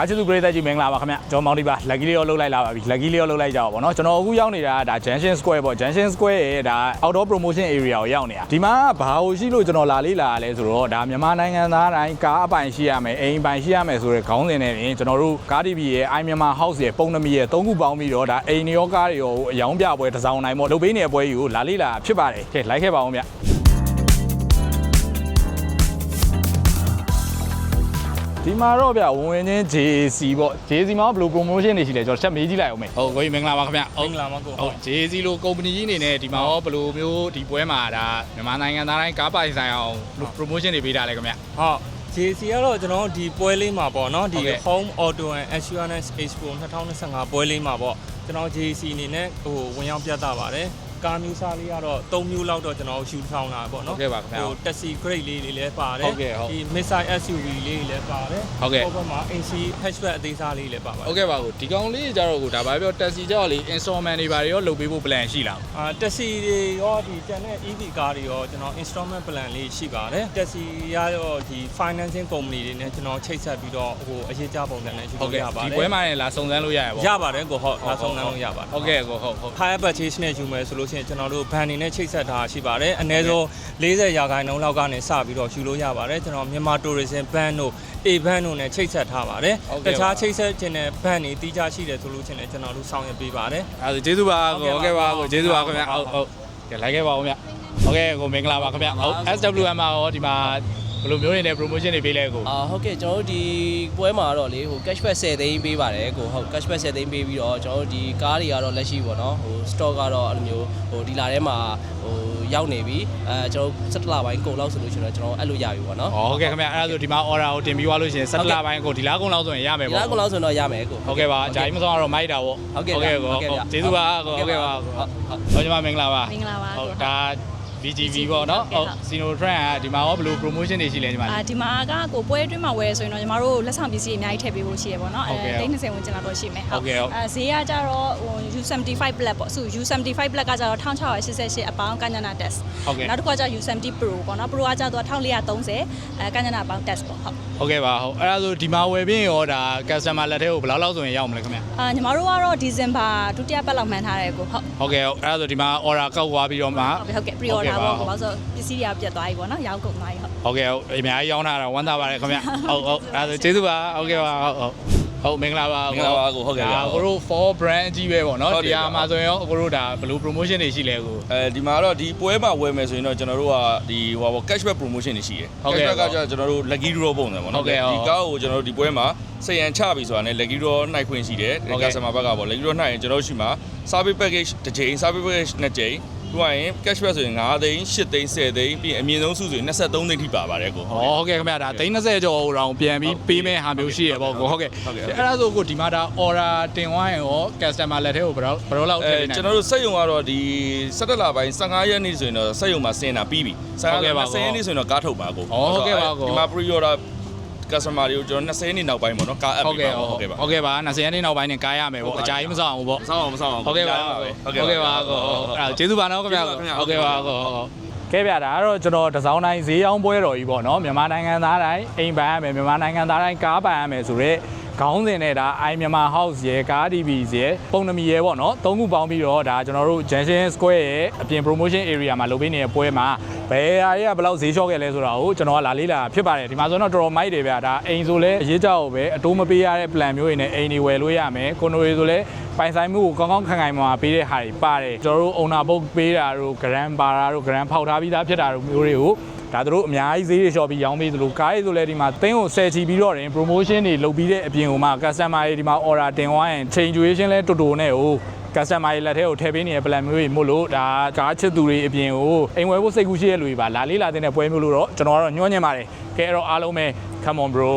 ကားချစ်သူပရိသတ်ကြီးမင်္ဂလာပါခင်ဗျကျွန်တော်မောင်ဒီပါလက်ကြီးလေးရောလှုပ်လိုက်လာပါပြီလက်ကြီးလေးရောလှုပ်လိုက်ကြပါဗောနော်ကျွန်တော်အခုရောက်နေတာဒါ Junction Square ပေါ့ Junction Square ရဲ့ဒါ outdoor promotion area ကိုရောက်နေတာဒီမှာဘာလို့ရှိလို့ကျွန်တော်လာလေးလာလဲဆိုတော့ဒါမြန်မာနိုင်ငံသားတိုင်းကားအပိုင်ရှိရမယ်အိမ်ပိုင်ရှိရမယ်ဆိုတဲ့ခေါင်းစဉ်နဲ့တင်ကျွန်တော်တို့ကား TV ရဲ့ iMyanmar House ရဲ့ပုံနမီရဲ့သုံးခုပေါင်းပြီးတော့ဒါအိမ်ရောကားတွေရောအယောင်ပြပွဲတစ်စောင်းနိုင်ပေါ့လုပ်ပေးနေတဲ့ပွဲကြီးကိုလာလေးလာဖြစ်ပါတယ်ကဲလိုက်ခဲ့ပါအောင်ဗျဒီမှာတော့ဗျဝင်ချင်း JC ပေါ့ JC မှာဘယ်လို promotion တွေရှိလဲကျွန်တော်ချက်မေးကြည့်လိုက်အောင်မယ်ဟုတ်ကိုကြီးမင်္ဂလာပါခင်ဗျဟုတ်မင်္ဂလာပါကိုဟုတ် JC လို့ company ကြီးအနေနဲ့ဒီမှာရောဘယ်လိုမျိုးဒီပွဲမှာဒါမြန်မာနိုင်ငံသားတိုင်းကားပိုင်ဆိုင်အောင် promotion တွေပေးတာလဲခင်ဗျဟုတ် JC ကတော့ကျွန်တော်ဒီပွဲလေးမှာပေါ့နော်ဒီ Home Auto and Assurance Expo 2025ပွဲလေးမှာပေါ့ကျွန်တော် JC အနေနဲ့ဝင်ရောက်ပြသပါတယ်ကားမျိုးစားလေးကတော့3မျိုးလောက်တော့ကျွန်တော်ယူထောင်းလာပေါ့နော်ဟုတ်ကဲ့ပါခင်ဗျာ taxi grade လေးတွေလည်းပါတယ်ဟုတ်ကဲ့ဟုတ်ဒီ missile SUV လေးတွေလည်းပါတယ်ဟုတ်ကဲ့ဟိုဘက်မှာ AC hatchback အသေးစားလေးလည်းပါပါတယ်ဟုတ်ကဲ့ပါကိုဒီကောင်လေးကြတော့ကိုဒါဘာပြော taxi ကြောက်လေ installment တွေဘာတွေရောလုပ်ပေးဖို့ plan ရှိလား taxi တွေရောဒီတန်တဲ့ EV ကားတွေရောကျွန်တော် installment plan လေးရှိပါတယ် taxi ရရောဒီ financing company တွေနဲ့ကျွန်တော်ချိတ်ဆက်ပြီးတော့အရေးကြပုံစံနဲ့ယူလို့ရပါတယ်ဒီပွဲမှာလည်းလာစုံစမ်းလို့ရရပါရပါတယ်ကိုဟုတ်လာစုံစမ်းလို့ရပါတယ်ဟုတ်ကဲ့ကိုဟုတ် higher purchase နဲ့ယူမယ်ဆိုလို့ရှိရင်ကျွန်တော်တို့ van တွေနဲ့ချိတ်ဆက်ထားရှိပါတယ်အနည်းဆုံး40ရာခိုင်နှုန်းလောက်ကနေစပြီးတော့ယူလို့ရပါတယ်ကျွန်တော်မြန်မာ tourism van တို့ A van တို့နဲ့ချိတ်ဆက်ထားပါတယ်တခြားချိတ်ဆက်ခြင်းနဲ့ van တွေတီးခြားရှိတယ်ဆိုလို့ချင်းလည်းကျွန်တော်တို့ဆောင်ရွက်ပေးပါတယ်အဲဒါကျေးဇူးပါကိုဟုတ်ကဲ့ပါကိုကျေးဇူးပါခင်ဗျဟုတ်ကဲလိုက်ခဲ့ပါဦးဗျဟုတ်ကဲ့ကိုမင်္ဂလာပါခင်ဗျဟုတ် SWM မှာရောဒီမှာဘယ်လိုမျိုးနေနဲ့ promotion တွေပေးလဲကိုဟုတ်ကဲ့ကျွန်တော်တို့ဒီပွဲမှာတော့လေcashback 10သိန်းပေးပါတယ်ကိုဟုတ် cashback 10သိန်းပေးပြီးတော့ကျွန်တော်တို့ဒီကားတွေကတော့လက်ရှိပေါ့နော်stock ကတော့အဲ့လိုမျိုးဒီလာထဲမှာရောက်နေပြီကျွန်တော်17လပိုင်းကုန်လောက်ဆိုလို့ရှိရင်တော့ကျွန်တော်အဲ့လိုရပြီပေါ့နော်ဟုတ်ကဲ့ခင်ဗျအဲ့ဒါဆိုဒီမှာ order ကိုတင်ပြီးသွားလို့ရှိရင်17လပိုင်းကိုဒီလားကုန်လောက်ဆိုရင်ရမယ်ပေါ့ဒီလားကုန်လောက်ဆိုရင်တော့ရမယ်ကိုဟုတ်ကဲ့ပါအကြိုင်းမဆောင်တော့မိုက်တာပေါ့ဟုတ်ကဲ့ကိုကျေးဇူးပါကိုဟုတ်ကဲ့ပါဟုတ်ညီမမင်္ဂလာပါမင်္ဂလာပါဟုတ်ဒါBGV ပေါ့နော်ဟုတ် Sinotrend ကဒီမှာရောဘယ်လို promotion တွေရှိလဲညီမဒီမှာကကိုပွဲအတွင်းမှာဝယ်ဆိုရင်တော့ညီမတို့လက်ဆောင်ပစ္စည်းတွေအများကြီးထည့်ပေးဖို့ရှိရပေါ့နော်30ဝင်ကျင်လာတော့ရှိမယ်ဟုတ်ဈေးကကြတော့U75 Black ပေါ့ဆို U75 Black ကကြတော့1688အပေါင်းကညနာ test နောက်တစ်ခါကျ U70 Pro ပေါ့နော် Pro ကကြတော့1430ကညနာအပေါင်း test ပေါ့ဟုတ်ကဲ့ပါဟုတ်အဲ့ဒါဆိုဒီမှာဝယ်ပြီးရောဒါ customer လက်ထဲကိုဘယ်လောက်လောက်ဆိုရင်ရောက်မလဲခင်ဗျညီမတို့ကတော့ December ဒုတိယပတ်လောက်မှန်းထားတယ်ကိုဟုတ်ကဲ့အဲ့ဒါဆိုဒီမှာ order ကောက်သွားပြီးတော့မှဟုတ်ကဲ့ pre order ပေါ့ဘာလို့ဆိုပစ္စည်းတွေကပြတ်သွားပြီပေါ့နော်ရောင်းကုန်သွားပြီဟုတ်ကဲ့ဟုတ်အများကြီးရောင်းတာတော့ဝမ်းသာပါတယ်ခင်ဗျဟုတ်အဲ့ဒါဆိုကျေးဇူးပါဟုတ်ကဲ့ပါဟုတ်မင်္ဂလာပါမင်္ဂလာပါကိုဟုတ်ကဲ့ပါကိုတို့ for brand အကြီးပဲပေါ့နော်ဒီမှာဆိုရင်ရောကိုတို့ဒါဘယ်လို promotion တွေရှိလဲကိုဒီမှာတော့ဒီပွဲမှာဝယ်မယ်ဆိုရင်တော့ကျွန်တော်တို့ကဒီဟိုပါ cashback promotion တွေရှိတယ် cashback ကကျွန်တော်တို့ lucky draw ပုံစံပေါ့နော်ဒီကားကိုကျွန်တော်တို့ဒီပွဲမှာစိတ်ရန်ချပြီဆိုတာနဲ့ lucky draw နှိုက်ခွင့်ရှိတယ် customer ဘက်ကပေါ့ lucky draw နှိုက်ရင်ကျွန်တော်တို့ရှိမှာ service package တစ်ကြိမ် service package နှစ်ကြိမ်တွားရင် cashback ဆိုရင်9သိန်း8သိန်း10သိန်းပြီးအမြင့်ဆုံးစုဆိုရင်23သိန်းထိပါပါတယ်ကိုဟုတ်ကဲ့ခင်ဗျာဒါ30ကျော်အောင်ပြန်ပြီးပေးမဲ့ဟာမျိုးရှိရပေါ့ကိုဟုတ်ကဲ့အဲ့ဒါဆိုကိုဒီမှာဒါ order တင်သွားရင်ရော customer လက်ထဲကိုဘယ်တော့လောက်ထည့်နေကျွန်တော်တို့စက်ရုံကတော့ဒီ17လပိုင်း15ရက်နေ့ဆိုရင်တော့စက်ရုံမှာဆင်းတာပြီးပြီ15ရက်နေ့ဆိုရင်တော့ကားထုတ်ပါကိုဟုတ်ကဲ့ပါကိုဒီမှာ pre order customer တွေကိုကျွန်တော်20ရက်နေ့နောက်ပိုင်းပေါ့နော်ကား app ဟုတ်ကဲ့ပါဟုတ်ကဲ့ပါ20ရက်နေ့နောက်ပိုင်းနဲ့ကားရမယ်ပေါ့အကြိုင်းမဆောင်ဘူးပေါ့မဆောင်အောင်ဟုတ်ကဲ့ပါဟုတ်ကဲ့ပါကိုအဲ့ကျေးဇူးပါနော်ခင်ဗျာဟုတ်ကဲ့ပါကိုကဲဗျာဒါကတော့ကျွန်တော်တစောင်းတိုင်းဈေးရောင်းပွဲတော်ကြီးပေါ့နော်မြန်မာနိုင်ငံသားတိုင်းအိမ်ပိုင်ရမယ်မြန်မာနိုင်ငံသားတိုင်းကားပိုင်ရမယ်ဆိုတော့ခေါင်းစဉ်နဲ့ဒါ iMyanmar House ရဲ့ကား TV ရဲ့ပုံနမီရဲ့ပေါ့နော်သုံးခုပေါင်းပြီးတော့ဒါကျွန်တော်တို့ Junction Square ရဲ့အပြင် promotion area မှာလုပ်ပေးနေတဲ့ပွဲမှာဘယ်ဟာတွေကဘယ်လောက်ဈေးလျှော့ခဲ့လဲဆိုတာကိုကျွန်တော်ကလာလေးလာဖြစ်ပါတယ်ဒီမှာဆိုတော့တော်တော်မိုက်တယ်ဗျာဒါအိမ်ဆိုလဲအရေးကြောက်ပဲအတိုးမပေးရတဲ့ plan မျိုးတွေနဲ့အိမ်တွေဝယ်လို့ရမယ်ကွန်ဒိုတွေဆိုလဲပိုင်ဆိုင်မှုကိုကောင်းကောင်းခံခံမှာပေးတဲ့ဟာတွေပါတယ်ကျွန်တော်တို့ owner book ပေးတာတို့ grand ပါတာတို့ grand ဖောက်ထားပြီးသားဖြစ်တာတို့မျိုးတွေကိုဒါတို့အများကြီးဈေးတွေလျှော့ပြီးရောင်းပေးသလိုကားတွေဆိုလဲဒီမှာသင်းကို10ချီပြီးတော့တင် promotion တွေလုပ်ပြီးတဲ့အပြင်ဟိုမှာ customer တွေဒီမှာ order တင်သွားရင် change duration လဲတူတူနဲ့ဟို customer တွေလက်ထဲကိုထည့်ပေးနေတဲ့ plan မျိုးတွေမို့လို့ဒါကားချစ်သူတွေအပြင်ကိုအိမ်ဝယ်ဖို့စိတ်ကူးရှိတဲ့လူတွေပါလာလေးလာတဲ့ပွဲမျိုးလို့တော့ကျွန်တော်ကတော့ညှို့ညင်ပါတယ်ကဲအဲ့တော့အားလုံးပဲ come on bro